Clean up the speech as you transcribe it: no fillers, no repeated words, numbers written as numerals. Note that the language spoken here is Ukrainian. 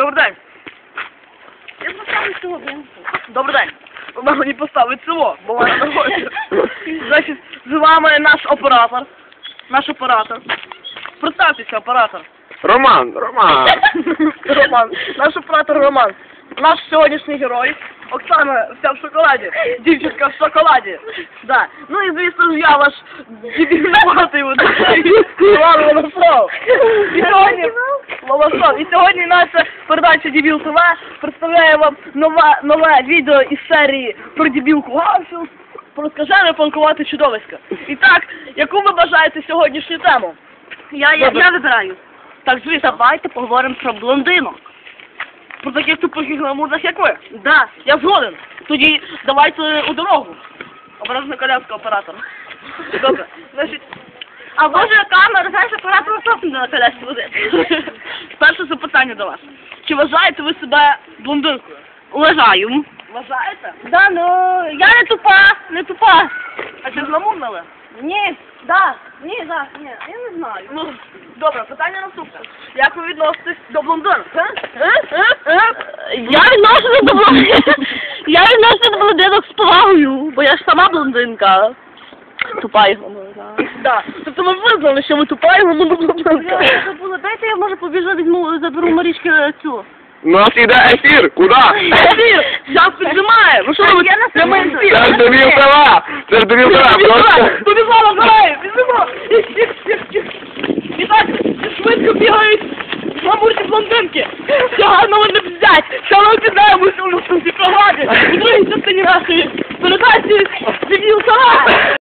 Добрий день. Я поставлю цього, блин. Добрий день. Вона мені поставить село, бо вона не хоче. Значить, з вами наш оператор. Наш оператор. Представтеся, оператор. Роман. Роман. Наш оператор Роман. Наш сьогоднішній герой. Оксана вся в шоколаді. Дівчинка в шоколаді. Да. Ну і звісно ж я ваш дебільнуватий Іван Волосов. І сьогодні Волосов. І сьогодні наша передача Дебіл ТВ представляє вам нове відео із серії про дебілку Гарфілд, про скажене панкувати чудовиська. І так, яку ви бажаєте сьогоднішню тему? Я вибираю. Так, звісно. Давайте поговоримо про блондинок. Про таких тупих і гламурних, як ви. Да. Я згоден. Тоді давайте у дорогу. Обережно коляска оператора. Добре. Значить, А боже, камера, знаєш, оператор просто на колясці буде. перше запитання до вас. Чи вважаєте ви себе блондинкою? Уважаю. Вважаєте? Да, ну, я не тупа. А чи зламурнили? Ні, ні, я не знаю. Ну, добре, питання наступне. Як ви відноситесь до блондинок? Я відношуся до блондинок. Я відношуся до блондинок з повагою, бо я ж сама блондинка. Тупа його, Да. Тобто ми визнали, що ви тупа і ви блондинка. Я забула, дайте я може побіжу, заберу Марічки цю. У нас іде ефір. Куди? Ефір! Зараз піджимає! Ну що ви? Я на Прямий секунду. ефір! Це ж Дебіл ТВ. Це ж Дебіл ТВ. Просто... Побігла, грає! Біжимо! І так, швидко бігають гламурні блондинки! Сьогодні вони взять! Що ми піддаємо у цій програмі? У другій частині нашої передачі Дебіл ТВ!